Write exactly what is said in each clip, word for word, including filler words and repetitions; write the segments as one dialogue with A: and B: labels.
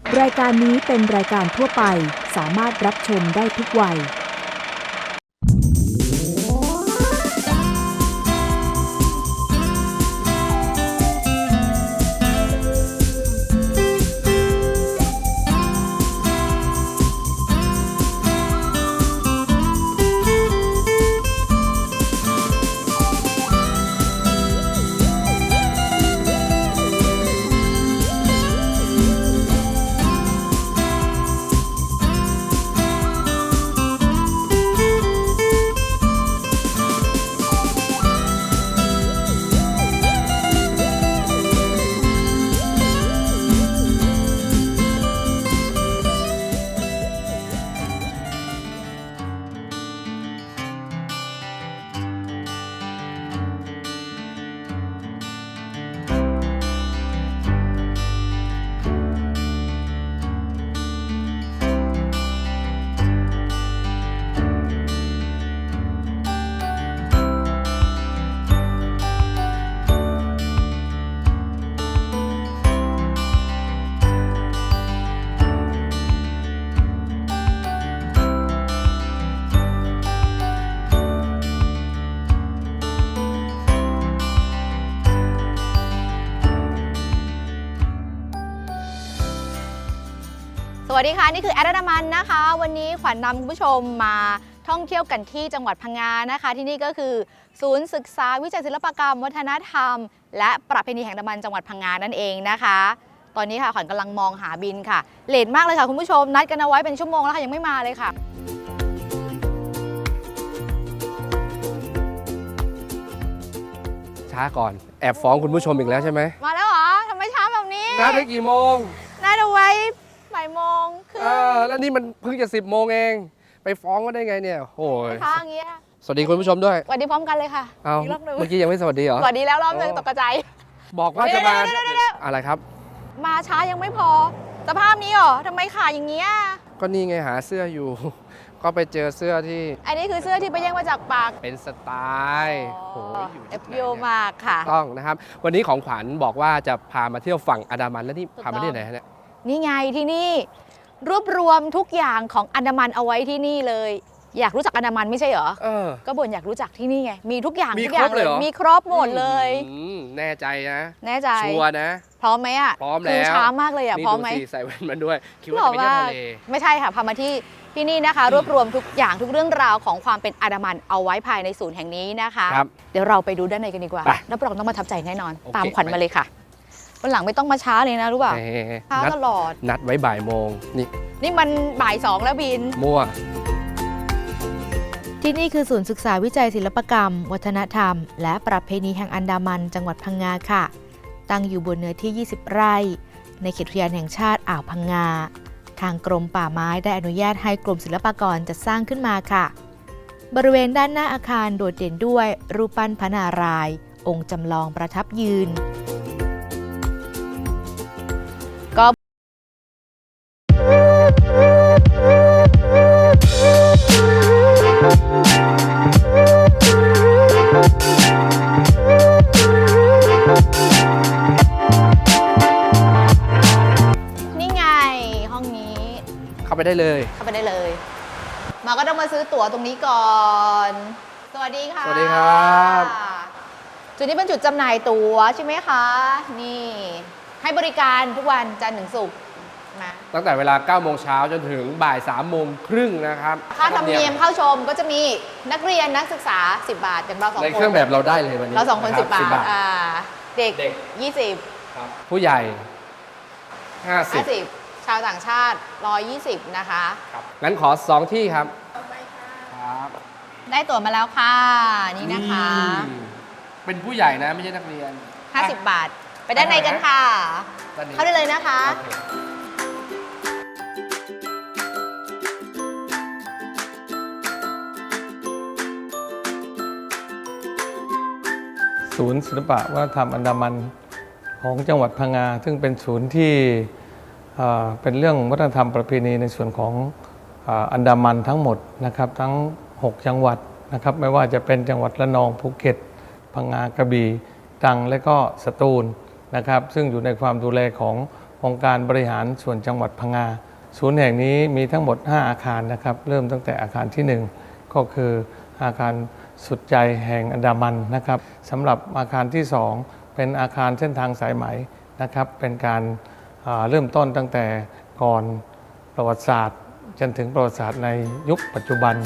A: รายการนี้เป็นรายการทั่วไปสามารถรับชมได้ทุกวัย
B: สวัสดีค่ะนี่คือแอดนามันนะคะวันนี้ขวัญนำคุณผู้ชมมาท่องเที่ยวกันที่จังหวัดพังงานะคะที่นี่ก็คือศูนย์ศึกษาวิจัยศิลปกรรมวัฒนธรรมและประเพณีแห่งอันดามันจังหวัดพังงานั่นเองนะคะตอนนี้ค่ะขวัญกำลังมองหาบินค่ะเลทมากเลยค่ะคุณผู้ชมนัดกันเอาไว้เป็นชั่วโมงแล้วค่ะยังไม่มาเลยค่ะ
C: ช้าก่อนแอบฟ้องคุณผู้ชมอีกแล้วใช่ไหม
B: มาแล้วเหรอทำไมช้าแบบนี้
C: นัดได้กี่โมง
B: นัดเอาไว้บ่ายโมงคือ
C: แล้วนี่มันเพิ่งจะสิบโมงเองไปฟ้องก็ได้ไงเนี่ยโอ้ย
B: ช้าอย่างเงี้ย
C: สวัสดีคุณผู้ชมด้วย
B: สวัสดีพร้อมกันเลยค่ะ
C: เอาเมื่อกี้ยังไม่สวัสดีเหรอ
B: สวัสดีแล้วรอบนึงตกใจ
C: บอกว่าจะมาอะไรครับ
B: มาช้ายังไม่พอสภาพนี้เหรอทำไมขาอย่างเงี้ย
C: ก็นี่ไงหาเสื้ออยู่ก็ไปเจอเสื้อที่
B: อันนี้คือเสื้อที่ไปแย่งมาจากปาก
C: เป็นสไตล์โอ้ยอยู่
B: เอฟโยมากค่ะ
C: ต้องนะครับวันนี้ของขวัญบอกว่าจะพามาเที่ยวฝั่งอันดามันแล้วนี่พามาที่ไหนฮะเนี่ย
B: นี่ไงที่นี่รวบรวมทุกอย่างของอันดามันเอาไว้ที่นี่เลยอยากรู้จักอันดามันไม่ใช่เหรอเออก็บ่นอยากรู้จักที่นี่ไงมีทุกอย่าง
C: มีครบเลยเหรอ
B: มีครบหมดเลย
C: แน่ใจนะ
B: แน่ใจ
C: ชัวร์นะ
B: พร้อมไหมอ่ะ
C: พร้อมแล้ว
B: ช้ามากเลยอ่ะพร้อมไหม
C: ใส่แว่นมาด้วยคิดว่าจะไปเที่ยวทะเล
B: ไม่ใช่ค่ะพามาที่ที่นี่นะคะรวบรวมทุกอย่างทุกเรื่องราวของความเป็นอันดามันเอาไว้ภายในศูนย์แห่งนี้นะคะเดี๋ยวเราไปดูด้านในกันดีกว่ารับรองต้องประทับใจแน่นอนตามขวัญมาเลยค่ะวันหลังไม่ต้องมาช้าเลยนะรู้ป่ะช้าตลอด
C: นัดไว้บ่ายโมงนี่
B: นี่มันบ่ายสองแล้วบิน
C: มั่ว
A: ที่นี่คือศูนย์ศึกษาวิจัยศิลปกรรมวัฒนธรรมและประเพณีแห่งอันดามันจังหวัดพังงาค่ะตั้งอยู่บนเนื้อที่ยี่สิบไร่ในเขตอุทยานแห่งชาติอ่าวพังงาทางกรมป่าไม้ได้อนุญาตให้กรมศิลปากรจัดสร้างขึ้นมาค่ะบริเวณด้านหน้าอาคารโดดเด่นด้วยรูปปั้นพระนารายณ์องค์จำลองประทับยืนก็นี่ไงห้องนี้
C: เข้าไปได้เลย
B: เข้าไปได้เลยมาก็ต้องมาซื้อตั๋วตรงนี้ก่อน สวัสดีค่ะ
C: สวัสดีครับ
B: จุดนี้เป็นจุดจำหน่ายตั๋วใช่ไหมคะนี่ให้บริการทุกวันจันทร์ถึงศุกร์นะ
C: ตั้งแต่เวลาเก้าโมงเช้าจนถึงบ่ายสามโมงครึ่งนะครับ
B: ค่าธรรมเนียมเข้าชมก็จะมีนักเรียนนักศึกษาสิบบาทอย่างเราสองคน
C: ในเครื่องแบบเราได้เลยวันนี้
B: เราสองคนสิบบาทอ่าเด็กยี่สิบ
C: ผู้ใหญ่ห้าสิบ
B: ชาวต่างชาติหนึ่งร้อยยี่สิบนะคะ
C: ครับงั้นขอสองที่ครับครับ
B: ได้ตั๋วมาแล้วค่ะนี่นะคะ
C: เป็นผู้ใหญ่นะไม่ใช่นักเรียน
B: ห้าสิบบาทไปด้านในกันค่ะเข้าได้เลยนะคะ
D: ศูนย์ศิลปะวัฒนธรรมอันดามันของจังหวัดพังงาซึ่งเป็นศูนย์ที่เป็นเรื่องวัฒนธรรมประเพณีในส่วนของอันดามันทั้งหมดนะครับทั้งหกจังหวัดนะครับไม่ว่าจะเป็นจังหวัดระนองภูเก็ตพังงากระบี่ตรังและก็สตูลนะครับซึ่งอยู่ในความดูแลขององค์การบริหารส่วนจังหวัดพังงาศูนย์แห่งนี้มีทั้งหมดห้าอาคารนะครับเริ่มตั้งแต่อาคารที่หนึ่งก็คืออาคารสุดใจแห่งอันดามันนะครับสำหรับอาคารที่สองเป็นอาคารเส้นทางสายไหมนะครับเป็นการเริ่มต้นตั้งแต่ก่อนประวัติศาสตร์จนถึงประวัติศาสตร์ในยุคปัจจุบัน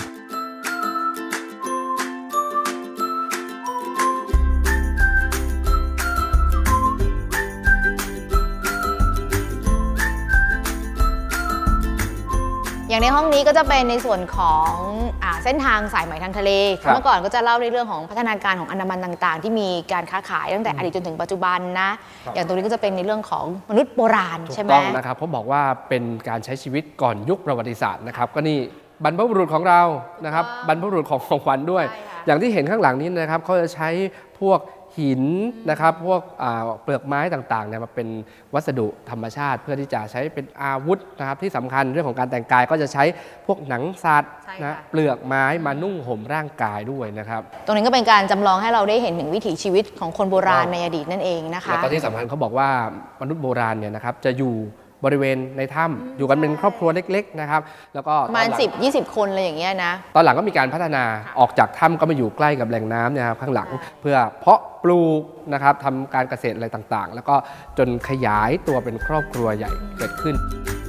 B: อย่างในห้องนี้ก็จะเป็นในส่วนของอ่าเส้นทางสายไหมทางทะเล
C: ครับ
B: เมื่อก่อนก็จะเล่าในเรื่องของพัฒนาการของอันดามันต่างๆ ที่มีการค้าขายตั้งแต่อดีตจนถึงปัจจุบันนะอย่างตรงนี้ก็จะเป็นในเรื่องของมนุษย์โบราณ
C: ถู
B: ใช่
C: ก
B: ไหม
C: ต้องนะครับเพราะบอกว่าเป็นการใช้ชีวิตก่อนยุคประวัติศาสตร์นะครับก็นี่บรรพบุรุษของเรานะครับ
B: ว้าว
C: บรรพบุรุษของของขวัญด้วย
B: ใช่ค่ะ
C: อย่างที่เห็นข้างหลังนี้นะครับเขาจะใช้พวกหินนะครับพวกอ่าเปลือกไม้ต่างๆเนี่ยมาเป็นวัสดุธรรมชาติ เพื่อที่จะใช้เป็นอาวุธนะครับที่สำคัญเรื่องของการแต่งกายก็จะใช้พวกหนังสัตว์
B: ใช่
C: นะ
B: ค่ะ
C: เปลือกไม้มานุ่งห่มร่างกายด้วยนะครับ
B: ตรงนี้ก็เป็นการจำลองให้เราได้เห็นถึงวิถีชีวิตของคนโบราณ
C: ถูกต้อง
B: ในอดีตนั่นเองนะคะ
C: แล้วก็ที่สำคัญเขาบอกว่ามนุษย์โบราณเนี่ยนะครับจะอยู่บริเวณในถ้ำอยู่กันเป็นครอบครัวเล็กๆนะครับแล้วก็
B: ประมาณ
C: ตอนหลัง
B: สิบ ยี่สิบ คนอะไรอย่างเงี้ยนะ
C: ตอนหลังก็มีการพัฒนาออกจากถ้ำก็มาอยู่ใกล้กับแหล่งน้ำเนี่ยครับข้างหลังเพื่อเพาะปลูกนะครับทำการเกษตรอะไรต่างๆ แล้วก็จนขยายตัวเป็นครอบครัวใหญ่เกิดขึ้น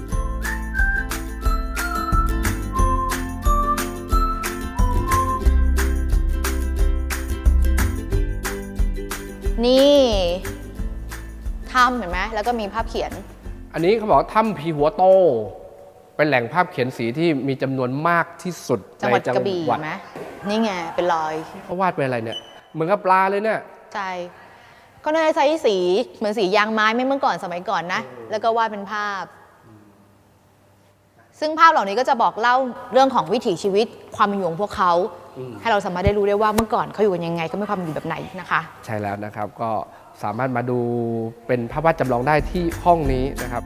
B: นี่ถ้ำเห็นไหมแล้วก็มีภาพเขียน
C: อันนี้เขาบอกว่าถ้ำผีหัวโต เป็นแหล่งภาพเขียนสีที่มีจำนวนมากที่สุด
B: จังหวัด
C: ใน
B: กระบี่เห็นไหมนี่ไงเป็นรอย
C: เขาวาดเป็นอะไรเนี่ยเหมือนกับปลาเลยเนี่ย
B: ใช่ก็น่าจะใช้สีเหมือนสียางไม้ไม่เมื่อก่อนสมัยก่อนนะ แล้วก็วาดเป็นภาพ ซึ่งภาพเหล่านี้ก็จะบอกเล่าเรื่องของวิถีชีวิตความเป็นอยู่ของพวกเขา
C: อืม
B: ให้เราสามารถได้รู้ได้ว่าเมื่อก่อนเขาอยู่กันยังไงก็มีความเป็นอยู่แบบไหนนะคะ
C: ใช่แล้วนะครับก็สามารถมาดูเป็นภาพวาดจำลองได้ที่ห้องนี้นะครับ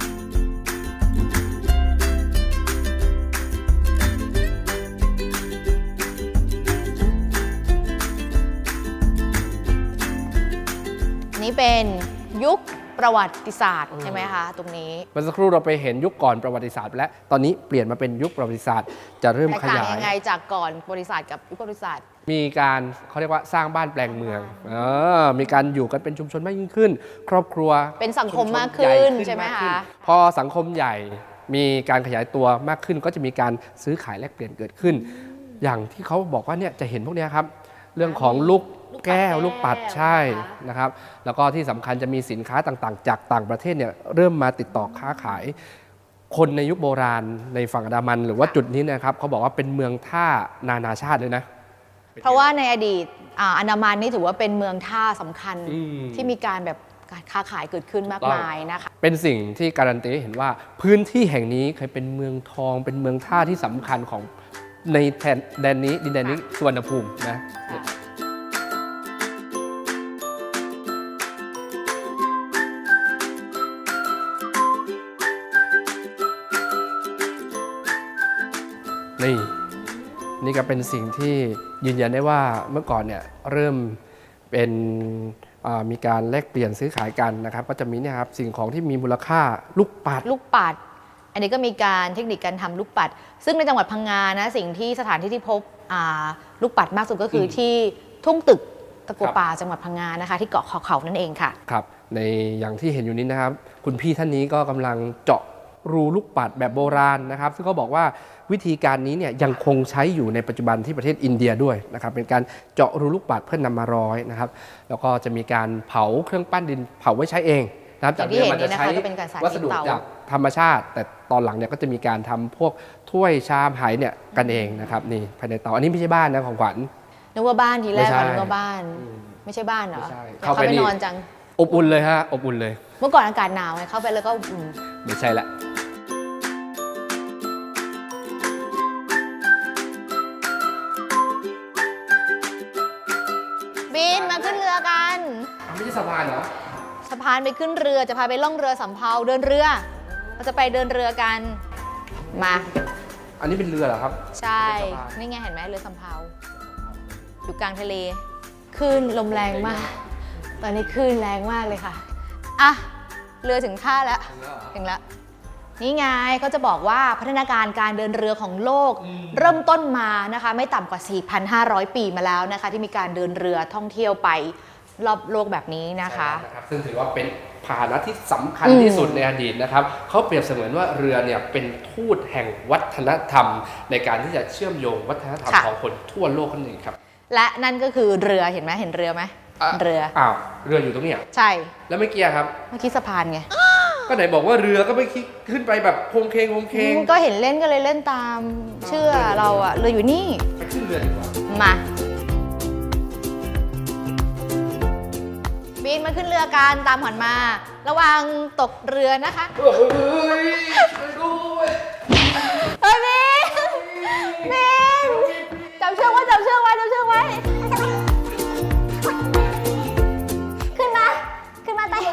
B: นี่เป็นยุคประวัติศาสตร์ใช่ไหมคะตรงนี้
C: เมื่อสักครู่เราไปเห็นยุคก่อนประวัติศาสตร์ไปแล้วตอนนี้เปลี่ยนมาเป็นยุคประวัติศาสตร์จะเริ่ม
B: แตก
C: ข
B: ต่าง
C: ยาย
B: ยังไงจากก่อนประวัติศาสตร์กับยุคประวัติศาสตร์
C: มีการเขาเรียกว่าสร้างบ้านแปลงเมืองเออมีการอยู่กันเป็นชุมชนมากยิ่งขึ้น ครอบครัว
B: เป็นสังคม
C: ชุช
B: มากขึ้น
C: ญ่
B: ใช่ไหม
C: าก
B: คะ
C: ขึ้นพอสังคมใหญ่มีการขยายตัวมากขึ้น ก็จะมีการซื้อขายแลกเปลี่ยนเกิดขึ้น อย่างที่เขาบอกว่าเนี่ยจะเห็นพวกเนี้ยครับ เรื่องของลูกแก้วลูกปัดใช่นะครับ แล้วก็ที่สำคัญจะมีสินค้าต่างๆ จากต่างประเทศเนี่ยเริ่มมาติดต่อค้าขาย คนในยุคโบราณในฝั่งอันดามัน หรือว่าจุดนี้นะครับเขาบอกว่าเป็นเมืองท่านานาชาติเลยนะ
B: เพราะว่าในอดีตอ่าอันดามันนี่ถือว่าเป็นเมืองท่าสำคัญ
C: อืม
B: ที่มีการแบบการค้าขายเกิดขึ้นมากมายนะคะ
C: เป็นสิ่งที่การันตีให้เห็นว่าพื้นที่แห่งนี้เคยเป็นเมืองทอง เป็นเมืองท่าที่สำคัญของในแทนแดนนี้ดินแดนนี้สุวรรณภูมินะนี่นี่ก็เป็นสิ่งที่ยืนยันได้ว่าเมื่อก่อนเนี่ยเริ่มเป็นอ่ามีการแลกเปลี่ยนซื้อขายกันนะครับ ก็จะมีเนี่ยครับสิ่งของที่มีมูลค่าลูกปัด
B: ลูกปัด อันนี้ก็มีการเทคนิคการทำลูกปัด ซึ่งในจังหวัดพังงานะสิ่งที่สถานที่ที่พบอ่าลูกปัดมากสุดก็คืออ
C: ม
B: ที่ทุ่งตึกตะกัว
C: ครับ
B: ป่าจังหวัดพังงานะคะที่เกาะขอเขานั่นเองค่ะ
C: ครับในอย่างที่เห็นอยู่นี้นะครับ คุณพี่ท่านนี้ก็กำลังเจาะรูลูกปัดแบบโบราณนะครับ ซึ่งเขาบอกว่าวิธีการนี้เนี่ยยังคงใช้อยู่ในปัจจุบันที่ประเทศอินเดียด้วยนะครับเป็นการเจาะรูลูกปัดเพื่อนนำมาร้อยนะครับ แล้วก็จะมีการเผาเครื่องปั้นดินเผาไว้ใช้เองนะครับ
B: อย่างที่เห็น
C: มั
B: นี่นะคะก็เป็นการสาธิต
C: วัสดุ
B: เตา
C: จากธรรมชาติ แต่ตอนหลังเนี่ยก็จะมีการทำพวกถ้วยชามไหเนี่ยกันเองนะครับนี่ภายในเตาอันนี้ไม่ใช่บ้านนะของขวัญ
B: นึกว่าบ้านทีแรก
C: ไม่ใช่
B: อะนึกว่าบ้าน ไม่ใช่บ้านเหรอ
C: ไม่ใช่
B: เข้า
C: เข้า
B: ไป
C: ไปนี่
B: นอนจัง
C: อบอุ่นเลยฮะอบอุ่นเลย
B: เมื่อก่อนอากาศหนาวไงเข้าไปแล้วก็อุ่น
C: ไม่ใช่ละ
B: บินมาขึ้นเรือกัน
C: ไม่ใช่สะพานเหรอ
B: สะพานไปขึ้นเรือจะพาไปล่องเรือสำเภาเดินเรือเราจะไปเดินเรือกันมา
C: อันนี้เป็นเรือเหรอครับ
B: ใช่
C: เรือสะพาน
B: นี่ไงเห็นไหมเรือสำเภาอยู่กลางทะเลคลื่นลมแรงมาก ตอนนี้คลื่นแรงมากเลยค่ะอ่ะเรือถึงท่าแล้วถึงแล้วนี่ไงเขาจะบอกว่าพัฒนาการการเดินเรือของโลกเริ่มต้นมานะคะไม่ต่ำกว่า สี่พันห้าร้อย ปีมาแล้วนะคะที่มีการเดินเรือท่องเที่ยวไปรอบโลกแบบนี้นะคะ
C: ซึ่งถือว่าเป็นพาหนะที่สำคัญที่สุดในอดีตนะครับเขาเปรียบเสมือนว่าเรือเนี่ยเป็นทูตแห่งวัฒนธรรมในการที่จะเชื่อมโยงวัฒนธรรมของคนทั่วโลกนั่นเองครับ
B: และนั่นก็คือเรือเห็นไหมเห็นเรือไหมเรือ
C: อ้าวเรืออยู่ตรงนี้
B: ใช่
C: แล้วไม่เกียร์ครับ
B: เมื่อกี้สะพานไง
C: ก็ไหนบอกว่าเรือก็ไม่คิดขึ้นไปแบบโคงเคงโคงเคง
B: ก็เห็นเล่นก็เลยเล่นตามเชื่อเราอะเรืออยู่นี่
C: ไปขึ้นเรือดีกว่า
B: มาบินมาขึ้นเรือกันตามขวัญมาระวังตกเรือนะคะ
C: เฮ้ยช่วยด้วย
B: เฮ้ยบินบินจับเชือกไว้จับเชือกไว้จับเชือกไว้ขึ้นมาขึ้นมาไป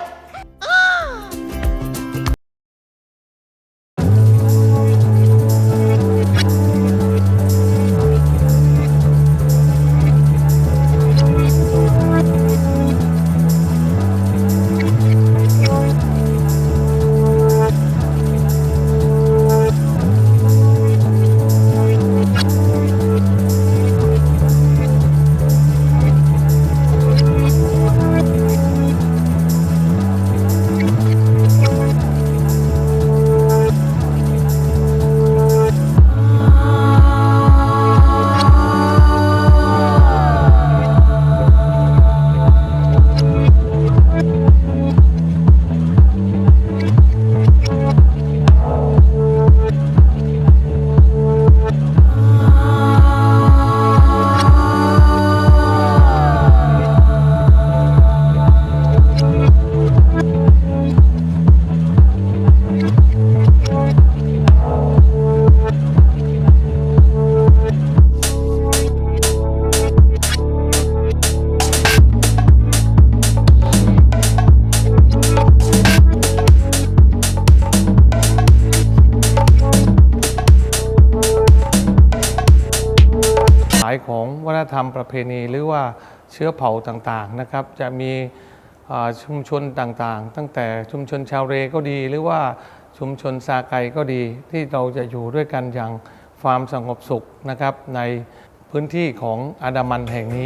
D: ของวัฒนธรรมประเพณีหรือว่าเชื้อเผ่าต่างๆนะครับจะมีชุมชนต่างๆตั้งแต่ชุมชนชาวเรก็ดีหรือว่าชุมชนซาไกก็ดีที่เราจะอยู่ด้วยกันอย่างความสงบสุขนะครับในพื้นที่ของอันดามันแห่งนี้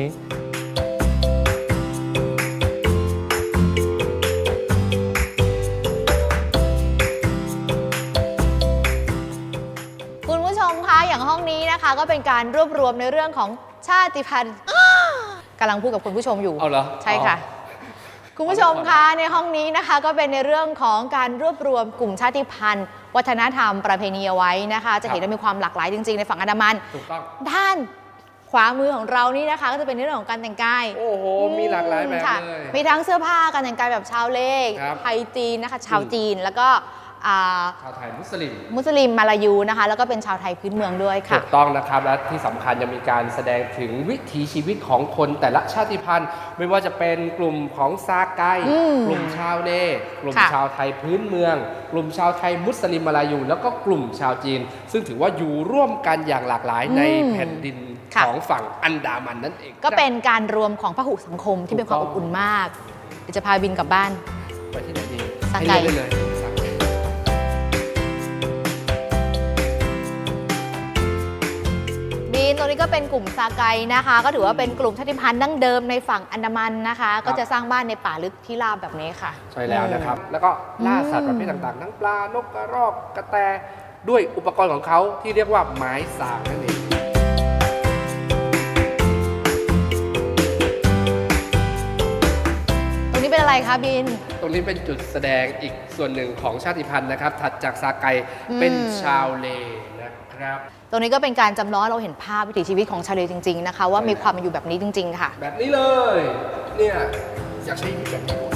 B: ห้องนี้นะคะก็เป็นการรวบรวมในเรื่องของชาติพันธุ์กำลังพูดกับคุณผู้ชมอยู่
C: เอาเหรอ
B: ใช่ค่ะคุณผู้ชมคะในห้องนี้นะคะก็เป็นในเรื่องของการรวบรวมกลุ่มชาติพันธุ์วัฒนธรรมประเพณีเอาไว้นะคะจะเห็นว่ามีความหลากหลายจริงๆในฝั่งอันดามัน
C: ถูกต้อง
B: ด้านขวามือของเรานี่นะคะก็จะเป็นในเรื่องของการแต่งกาย
C: โอ้โหมีหลากหลายแบบเลย
B: มีทั้งเสื้อผ้าการแต่งกายแบบชาวเลขไทยจีนนะคะชาวจีนแล้วก็
C: ชาวไทยมุสลิม
B: มุสลิมมาลายูนะคะแล้วก็เป็นชาวไทยพื้นเมืองด้วยค่ะ
C: ถูกต้องนะครับและที่สำคัญยังมีการแสดงถึงวิถีชีวิตของคนแต่ละชาติพันธุ์ไม่ว่าจะเป็นกลุ่มของซาไกกลุ่มชาวเนกลุ่มชาวไทยพื้นเมืองกลุ่มชาวไทยมุสลิมมาลายูแล้วก็กลุ่มชาวจีนซึ่งถือว่าอยู่ร่วมกันอย่างหลากหลายในแผ่นดินของฝั่งอันดามันนั่นเอง
B: ก็เป็นการรวมของพหุสังคมที่เป็นความอบอุ่นมากเดี๋ยวจะพาบินกลับบ้าน
C: ไปที่ไหนดี
B: ซาไก
C: เลย
B: ตรงนี้ก็เป็นกลุ่มซาไกนะคะก็ถือว่าเป็นกลุ่มชาติพันธุ์ดั้งเดิมในฝั่งอันดามันนะคะก็จะสร้างบ้านในป่าลึกที่ราบแบบนี้ค่ะ
C: ใช่แล้วนะครับแล้วก็ล่าสัตว์ประเภทต่างๆทั้งปลานกกระรอกกระแตด้วยอุปกรณ์ของเขาที่เรียกว่าไม้สากนั่นเอง
B: ตรงนี้เป็นอะไรคะบิน
C: ตรงนี้เป็นจุดแสดงอีกส่วนหนึ่งของชาติพันธุ์นะครับถัดจากซาไกเป็นชาวเลนะครับ
B: ตรงนี้ก็เป็นการจำลองเราเห็นภาพวิถีชีวิตของชาวเลจริงๆนะคะว่ามีความเป็นอยู่แบบนี้จริงๆค่ะ
C: แบบนี้เลยเนี่ยอยากใช้ชีวิตแบบนี้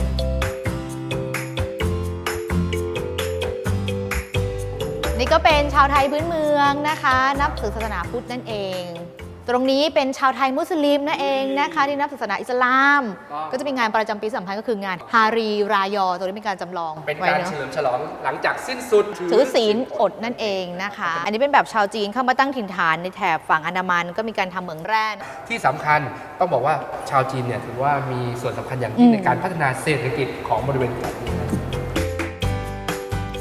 B: นี่ก็เป็นชาวไทยพื้นเมืองนะคะนับถือศาสนาพุทธนั่นเองตรงนี้เป็นชาวไทยมุสลิมนั่นเองนะคะที่นับศาสนาอิสลามก็จะเป็นงานประจำปีสำคัญก็คืองานฮารีรายอตัวนี้เป็นการจำลอง
C: เป็นการเฉลิมฉลองหลังจากสิ้นสุด
B: ถือศีลอดนั่นเองนะคะอันนี้เป็นแบบชาวจีนเข้ามาตั้งถิ่นฐานในแถบฝั่งอันดามันก็มีการทำเหมืองแร่
C: ที่สำคัญต้องบอกว่าชาวจีนเนี่ยถือว่ามีส่วนสำคัญอย่างยิ่งในการพัฒนาเศรษฐกิจของบริเวณแถบนี้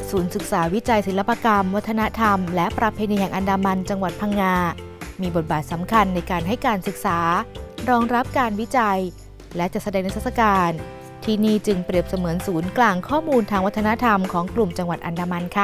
A: ศูนย์ศึกษาวิจัยศิลปกรรม วัฒนธรรม และประเพณีแห่งอันดามันจังหวัดพังงา มีบทบาทสำคัญในการให้การศึกษารองรับการวิจัย และจัดแสดงนิทรรศการ ที่นี่จึงเปรียบเสมือนศูนย์กลางข้อมูลทางวัฒนธรรมของกลุ่มจังหวัดอันดามันค่ะ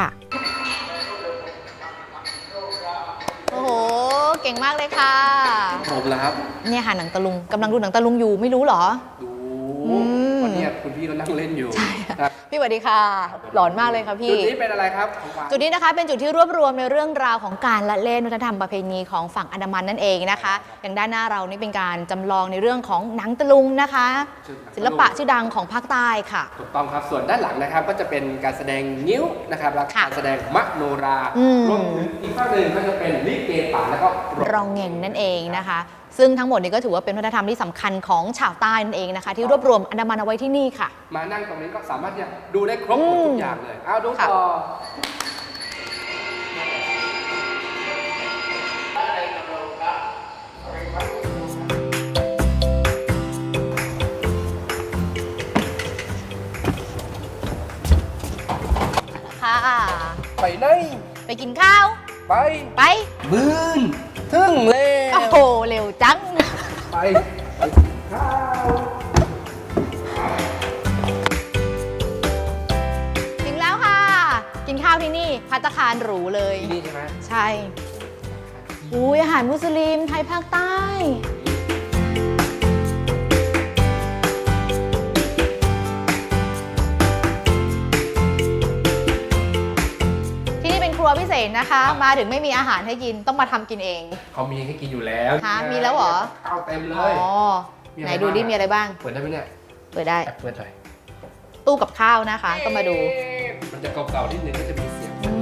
B: โอ้โห เก่งมากเลยค่ะ
C: ผมแล้วครับ
B: เนี่ยค่ะหนังตะลุงกำลังดูหนังตะลุงอยู่ไม่รู้เหรอ
C: ดู
B: อืม
C: วันนี้คุณพี่ก็นั่งเล่นอยู่นะ
B: พี่สวัสดีค่ะ หลอนมากเลยค่ะพี่
C: จุดนี้เป็นอะไรครับของหวาน
B: จุดนี้นะคะเป็นจุดที่รวบรวมในเรื่องราวของการละเล่นวัฒนธรรมประเพณีของฝั่งอันดามันนั่นเองนะคะอย่างด้านหน้าเรานี่เป็นการจำลองในเรื่องของหนังตะลุงนะคะ ศิลปะชื่อดังของภาคใต้ค่ะ
C: ถูกต้องครับส่วนด้านหลังนะครับก็จะเป็นการแสดงงิ้วนะครับและ
B: ค่ะ
C: การแสดงมโนรา
B: อืม
C: รวมถึงอีกภาคหนึ่งก็จะเป็นลิเกป่าแล้วก็
B: รองเงงนั่นเองนะคะ ซึ่งทั้งหมดนี้ก็ถือว่าเป็นวัฒนธรรมที่สำคัญของชาวใต้นั่นเองนะคะ ที่รวบรวมอันดามันเอาไว้ที่นี่ค่ะ
C: มานั่งตรงนี้ก็สามารถที่จะดูได้ครบหมดทุกอย่างเลยเอาดู
B: ค่ะ
C: ต่อ
B: ค่ะ
C: ไปไหน
B: ไปกินข้าว
C: ไป
B: ไป
C: บืนถึงเลย
B: โอ้โหเร็วจัง
C: ไปไปกินข้าว
B: ถึงแล้วค่ะ กินข้าวที่นี่ภัตตาคารหรูเลย
C: ที่นี่ใช่ไหม
B: ใช่อุ้ยอาหารมุสลิมไทยภาคใต้ ที่นี่เป็นครัวพิเศษนะคะ มาถึงไม่มีอาหารให้กินต้องมาทำกินเอง
C: เขามีให้กินอยู่แล้ว
B: ฮะมีแล้วเหรอ
C: ข้าวเต็มเล
B: อ๋อย
C: มีอะไร
B: ไหนดูดิ
C: บ้าง
B: มีอะไรบ้าง
C: เปิดได้ไหมเนี่ย
B: เปิดได้
C: แอบเปิดหน่อย
B: ตู้กับข้าวนะคะ ก็มาดู
C: มันจะเก่าๆนิดนึงก็จะมีเสียง
B: อืม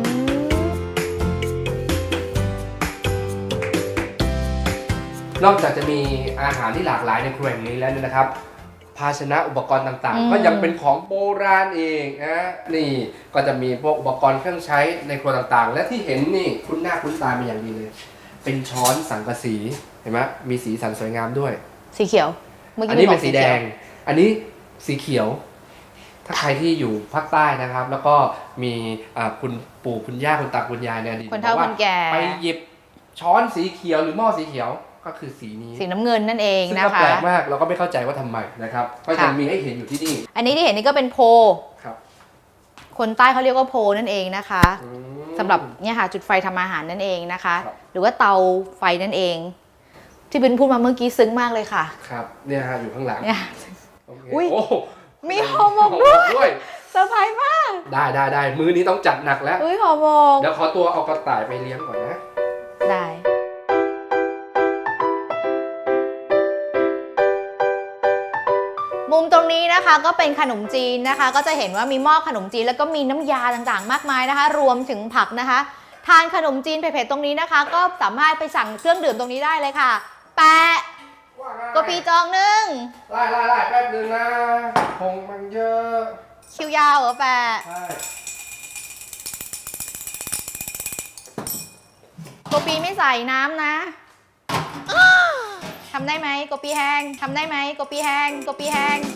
C: นอกจากจะมีอาหารที่หลากหลายในครัวแห่งนี้แล้วเนี่ยนะครับ ภาชนะอุปกรณ์ต่าง
B: อืม
C: ๆ ก็ยังเป็นของโบราณเองนะนี่ก็จะมีพวกอุปกรณ์เครื่องใช้ในครัวต่างๆ และที่เห็นนี่คุ้นหน้าคุ้นตาเป็นอย่างดีเลย เป็นช้อนสังกะสีเห็นไหมมีสีสันสวยงามด้วย
B: สีเขียว เมื่อ
C: อัน
B: กี้
C: นี้
B: บ
C: เป็
B: อก
C: นสีแดง อันนี้สีเขียว ถ้าใครที่อยู่ภาคใต้นะครับ แล้วก็มีอ่าคุณปู่คุณย่าคุณตาคุณยายเนี่ยดี
B: คนเฒ่า
C: บอกว่
B: คนแก่
C: ไปหยิบช้อนสีเขียวหรือหม้อสีเขียวก็คือสีนี้
B: สีน้ำเงินนั่นเอง
C: ซึ่ง
B: นะ
C: ก็
B: คะ
C: แปลกมากเราก็ไม่เข้าใจว่าทำไมนะครับก็
B: ค่ะ
C: ยังมีให้เห็นอยู่ที่นี่
B: อันนี้ที่เห็นนี่ก็เป็นโพ
C: ครับ
B: คนใต้เขาเรียกว่าโพนั่นเองนะคะ
C: อืม
B: สำหรับเนี่ยค่ะจุดไฟทำอาหารนั่นเองนะคะ
C: ครับ
B: หรือว่าเตาไฟนั่นเอง ที่บินพูดมาเมื่อกี้ซึ้งมากเลยค่ะ
C: ครับเนี่ยฮะอยู่ข้างหลัง
B: เนี่ย
C: โอเค
B: อุ๊ย
C: โอ้
B: มีห่อหมกด้วย
C: ห่อหมกด้วย
B: เซอร์ไพรส์มาก
C: ได้ได้ได้มื้อนี้ต้องจัดหนักแล้ว
B: อุ้ยห่อหมก
C: เดี๋ยวขอตัวเอากระต่ายไปเลี้ยงก่อนนะ
B: ได้ มุมตรงนี้นะคะก็เป็นขนมจีนนะคะ ก็จะเห็นว่ามีหม้อขนมจีนแล้วก็มีน้ำยาต่างๆ มากมายนะคะ รวมถึงผักนะคะ ทานขนมจีนเผ็ดๆตรงนี้นะคะ ก็สามารถไปสั่งเครื่องดื่มตรงนี้ได้เลยค่ะ แปะกปีจองหนึ่ง
C: ไล่ไล่ไล่แป๊บนึงนะคงมันเยอะ
B: คิวยาวเหรอแปะ
C: ใช่
B: โกปีไม่ใส่น้ำนะทำได้ไหมโกปีแห้งทำได้ไหมโกปีแห้งโกปีแห้ง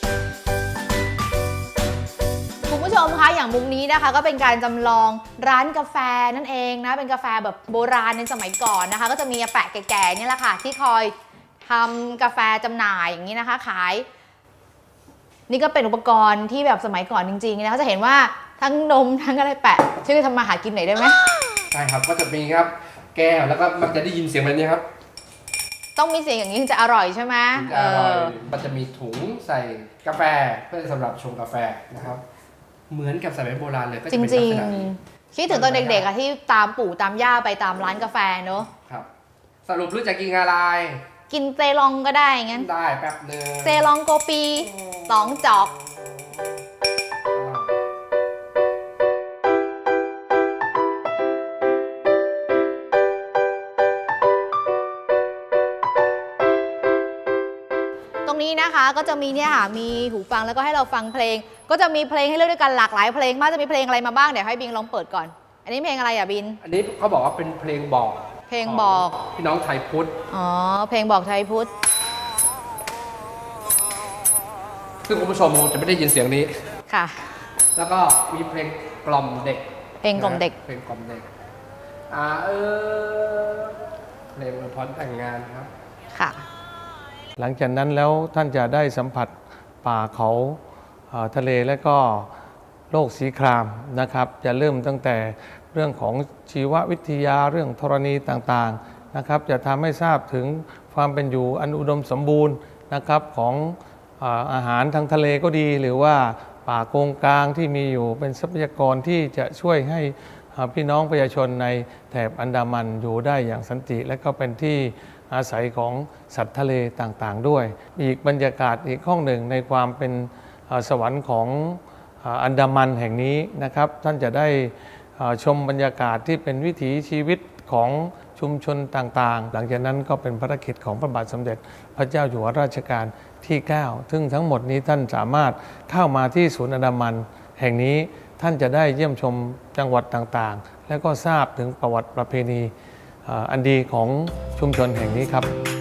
B: คุณผู้ชมคะอย่างมุมนี้นะคะ ก็เป็นการจำลองร้านกาแฟนั่นเองนะเป็นกาแฟแบบโบราณในสมัยก่อนนะคะ ก็จะมีอาแปะแก่ๆเนี่ยแหละค่ะที่คอยทำกาแฟจำหน่ายอย่างนี้นะคะ ขาย นี่ก็เป็นอุปกรณ์ที่แบบสมัยก่อนจริงๆนะคะจะเห็นว่าทั้งนมทั้งอะไรแปะช่วยทำมาหากินหน่อยได้ไหม
C: ใช่ครับก็จะมีครับแก้วแล้วก็มันจะได้ยินเสียงแบบนี้ครับ
B: ต้องมีเสียงอย่างนี้ถึงจะอร่อยใช่ไหม
C: ถึงจะอร่อยมันจะมีถุงใส่กาแฟเพื่อสำหรับชงกาแฟนะครับ เหมือนกับสมัยโบราณเลยก็จะ
B: จ
C: เป็นลั
B: ริ
C: ก
B: ง
C: ษณะนี้
B: ๆคิดถึงตอนเด็กๆอะที่ตามปู่ตามย่าไปตามร้านกาแฟเนอะ
C: ครับ สรุปรู้จักกินอะไร
B: กินเจลองก็ได้งั้น
C: ได้แป๊บนึง
B: เจลองโกปีสองจอก ตรงนี้นะคะก็จะมีเนี่ยค่ะมีหูฟังแล้วก็ให้เราฟังเพลง ก็จะมีเพลงให้เลือกด้วยกันหลากหลายเพลงมากจะมีเพลงอะไรมาบ้างเดี๋ยวให้บิงลองเปิดก่อน อันนี้เพลงอะไรอ่ะบิน
C: อันนี้เขาบอกว่าเป็นเพลงบอก
B: เพลงบอก
C: พี่น้องไทยพุทธ
B: อ๋อเพลงบอกไทยพุทธ
C: ซึ่งคุณผู้ชมคงจะไม่ได้ยินเสียงนี้
B: ค่ะ
C: แล้วก็มีเพลงกล่อมเด็ก
B: เพลงกล่อมเด็ก
C: นะเพลงกล่อมเด็กอ่าเออเพลงอวยพรแต่งงานครับ
B: ค่ะ
D: หลังจากนั้นแล้วท่านจะได้สัมผัสป่าเขาเอ่อทะเลและก็โลกสีครามนะครับ จะเริ่มตั้งแต่เรื่องของชีววิทยาเรื่องธรณีต่างๆนะครับ จะทำให้ทราบถึงความเป็นอยู่อันอุดมสมบูรณ์นะครับของเอ่ออาหารทางทะเลก็ดี หรือว่าป่าโกงกลางที่มีอยู่เป็นทรัพยากรที่จะช่วยให้พี่น้องประชาชนในแถบอันดามันอยู่ได้อย่างสันติ และก็เป็นที่อาศัยของสัตว์ทะเลต่างๆด้วยอีกบรรยากาศอีกห้องหนึ่งในความเป็นสวรรค์ของอันดามันแห่งนี้นะครับท่านจะได้ชมบรรยากาศที่เป็นวิถีชีวิตของชุมชนต่างๆหลังจากนั้นก็เป็นภารกิจของพระบาทสมเด็จพระเจ้าอยู่หัวรัชกาลที่เก้าซึ่งทั้งหมดนี้ท่านสามารถเข้ามาที่ศูนย์อันดามันแห่งนี้ท่านจะได้เยี่ยมชมจังหวัดต่างๆและก็ทราบถึงประวัติประเพณีอันดีของชุมชนแห่งนี้ครับ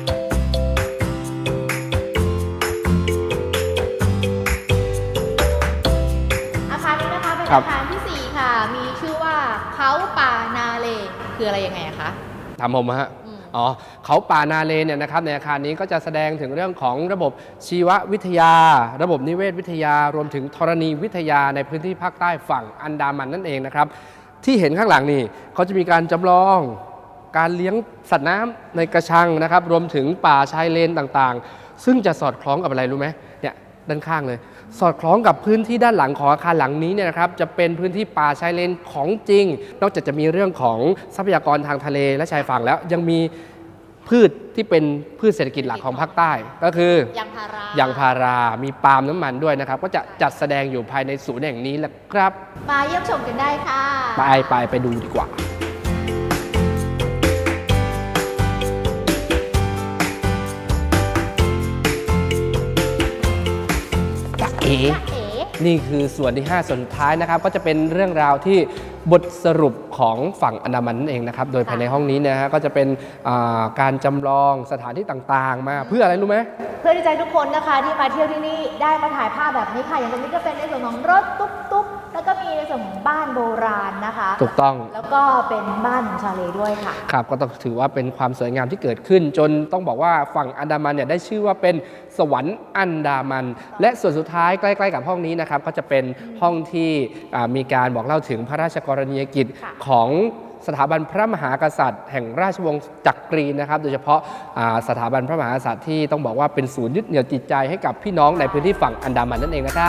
B: อาคารนี้นะคะเป็น
C: ครับ
B: อาคารที่สี่ค่ะ มีชื่อว่าเขาป่านาเลคืออะไรยังไงอะคะ
C: ถามผมฮะ
B: อืม
C: อ๋อเขาป่านาเลเนี่ยนะครับในอาคารนี้ก็จะแสดงถึงเรื่องของระบบชีววิทยา ระบบนิเวศวิทยารวมถึงธรณีวิทยาในพื้นที่ภาคใต้ฝั่งอันดามันนั่นเองนะครับที่เห็นข้างหลังนี่เขาจะมีการจำลองการเลี้ยงสัตว์น้ำในกระชังนะครับรวมถึงป่าชายเลนต่างๆ ซึ่งจะสอดคล้องกับอะไรรู้ไหมเนี่ยด้านข้างเลย สอดคล้องกับพื้นที่ด้านหลังของอาคารหลังนี้เนี่ยนะครับจะเป็นพื้นที่ป่าชายเลนของจริง นอกจากจะมีเรื่องของทรัพยากรทางทะเลและชายฝั่งแล้วยังมีพืชที่เป็นพืชเศรษฐกิจหลักของภาคใต้ก็คือย
B: างพารา
C: ยางพารามีปาล์มน้ำมันด้วยนะครับก็จะจัดแสดงอยู่ภายในศูนย์แห่งนี้แหละครับ
B: มาเยี่ยมชมกันได้ค่ะ
C: ไปไปไปดูดีกว่าเอ๋
B: เอ๋
C: นี่คือส่วนที่ ห้า ส่วนสุดท้ายนะครับก็จะเป็นเรื่องราวที่บทสรุปของฝั่งอันดามันนั่นเองนะครับโดยภายในห้องนี้นะฮะก็จะเป็นอ่าการจำลองสถานที่ต่างๆ มาเพื่ออะไรรู้ไหม
B: เพื่อที่จะให้ทุกคนนะคะที่มาเที่ยวที่นี่ได้มาถ่ายภาพแบบนี้ค่ะอย่างตรงนี้ก็เป็นในส่วนของรถตุ๊กตุ๊กแล้วก็มีในส่วนของบ้านโบราณนะคะ
C: ถูกต้อง
B: แล้วก็เป็นบ้านของชาเลด้วยค่ะ
C: ครับก็ต้องถือว่าเป็นความสวยงามที่เกิดขึ้น จนต้องบอกว่าฝั่งอันดามันเนี่ยได้ชื่อว่าเป็นสวรรค์อันดามัน และส่วนสุดท้ายใกล้ๆกับห้องนี้นะครับก็จะเป็นห้องที่อ่ามีการบอกเล่าถึงพระราชกรณียกิจ
B: ค่ะ
C: ของสถาบันพระมหากษัตริย์ แห่งราชวงศ์จักรีนะครับโดยเฉพาะอ่าสถาบันพระมหากษัตริย์ที่ต้องบอกว่าเป็นศูนย์ยึดเหนี่ยวจิตใจให้กับพี่น้องในพื้นที่ฝั่งอันดามันนั่นเองนะครับ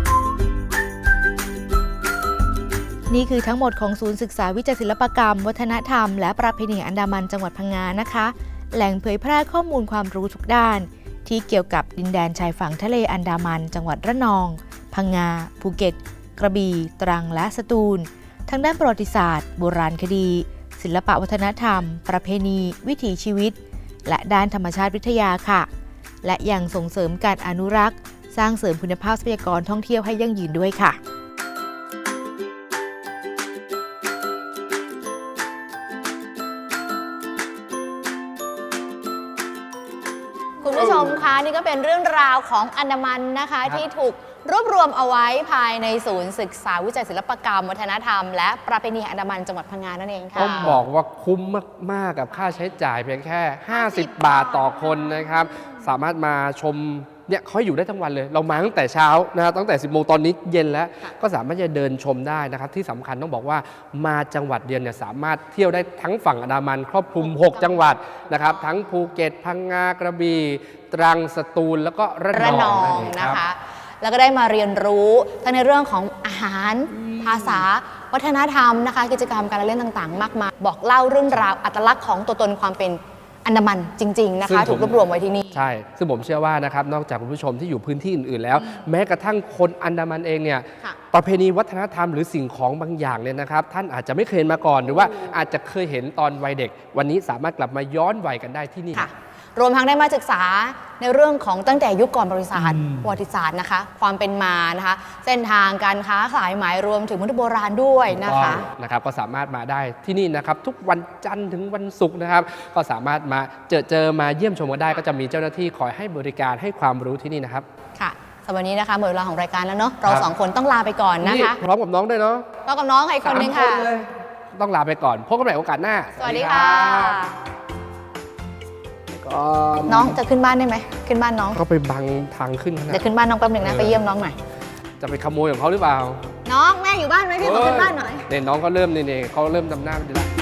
A: นี่คือทั้งหมดของศูนย์ศึกษาวิจัยศิลปกรรม วัฒนธรรม และประเพณีอันดามันจังหวัดพังงานะคะ แหล่งเผยแพร่ข้อมูลความรู้ทุกด้าน ที่เกี่ยวกับดินแดนชายฝั่งทะเลอันดามัน จังหวัดระนอง พังงา ภูเก็ต กระบี่ ตรัง และสตูล ทั้งด้านประวัติศาสตร์ โบราณคดี ศิลปวัฒนธรรม ประเพณี วิถีชีวิต และด้านธรรมชาติวิทยาค่ะ และยังส่งเสริมการอนุรักษ์ สร้างเสริมคุณภาพทรัพยากรท่องเที่ยวให้ยั่งยืนด้วยค่ะ
B: คุณผู้ชมคะนี่ก็เป็นเรื่องราวของอันดามันนะคะ
C: ครับ
B: ที่ถูกรวบรวมเอาไว้ภายในศูนย์ศึกษาวิจัยศิลปกรรม วัฒนธรรม และประเพณีแห่งอันดามันจังหวัดพังงานั่นเองค่ะ
C: ต้องบอกว่าคุ้มมากๆกับค่าใช้จ่ายเพียงแค่ ห้าสิบ บาทต่อคนนะครับสามารถมาชมเนี่ยเขาอยู่ได้ทั้งวันเลย เรามาตั้งแต่เช้านะครับตั้งแต่ สิบโมงตอนนี้เย็นแล้ว ก็สามารถจะเดินชมได้นะครับที่สำคัญต้องบอกว่ามาจังหวัดเดียวเนี่ยสามารถเที่ยวได้ทั้งฝั่งอันดามันครอบคลุม หก จังหวัดนะครับทั้งภูเก็ตพังงากระบี่ตรังสตูลแล้วก็ระ
B: ระ
C: น
B: น
C: อ
B: อง ง
C: นั่นเอง
B: นะ
C: รับ
B: คะ แล้วก็ได้มาเรียนรู้ทั้งในเรื่องของอาหาร ภาษา วัฒนธรรมนะคะ กิจกรรมการเล่นต่างๆ มากมาย บอกเล่าเรื่องราวอัตลักษณ์ของตัวตนความเป็นอันดามันจริง ๆ นะ
C: ซึ่ง
B: คะ
C: ผม
B: ถูกรวบรวมไว้ที่นี่
C: ใช่ ซึ่งผมเชื่อว่านะครับนอกจากคุณผู้ชมที่อยู่พื้นที่อื่นๆแล้ว แม้กระทั่งคนอันดามันเองเนี่ย
B: ค่ะ
C: ประเพณีวัฒนธรรมหรือสิ่งของบางอย่างเนี่ยนะครับท่านอาจจะไม่เคยเห็นมาก่อน หรือว่าอาจจะเคยเห็นตอนวัยเด็ก วันนี้สามารถกลับมาย้อนวัยกันได้ที่นี่
B: ค่ะ รวมทั้งได้มาศึกษาในเรื่องของตั้งแต่ยุคก่อนบริษัทประวัติศาสตร์นะคะ ความเป็นมานะคะ เส้นทางการค้าขายหมายรวมถึงมนุษย์โบราณด้วยนะคะ
C: นะครับก็สามารถมาได้ที่นี่นะครับทุกวันจันทร์ถึงวันศุกร์นะครับก็สามารถมาเจอเจอมาเยี่ยมชมกันได้ ก็จะมีเจ้าหน้าที่คอยให้บริการให้ความรู้ที่นี่นะครับ
B: ค่ะสำหรับวันนี้นะคะหมดเวลาของรายการแล้วเนาะเรา
C: ครับ
B: สองคนต้องลาไปก่อนนะคะ
C: พร้อมกับน้องด้วยเนาะ
B: เรากับน้องอีกคนนึงค่ะ
C: สามเลยต้องลาไปก่อนพบกันใหม่โอกาสหน้า
B: สวัสดีค่ะ
C: ก็
B: น้องจะขึ้นบ้านได้ไหมขึ้นบ้านน้อง
C: เขาไปบังทางขึ้นขนาด
B: เดี๋ยวขึ้นบ้านน้องแป๊บหนึ่งนะไปเยี่ยมน้องหน่อย
C: จะไปขโมยของเขาหรือเปล่า
B: น้องแม่อยู่บ้านไหมพี่ขอขึ้นบ้านหน่อย
C: เนี่ยน้องก็เริ่มเนี่ยเขาเริ่มจำหน้าไม่ได้ละ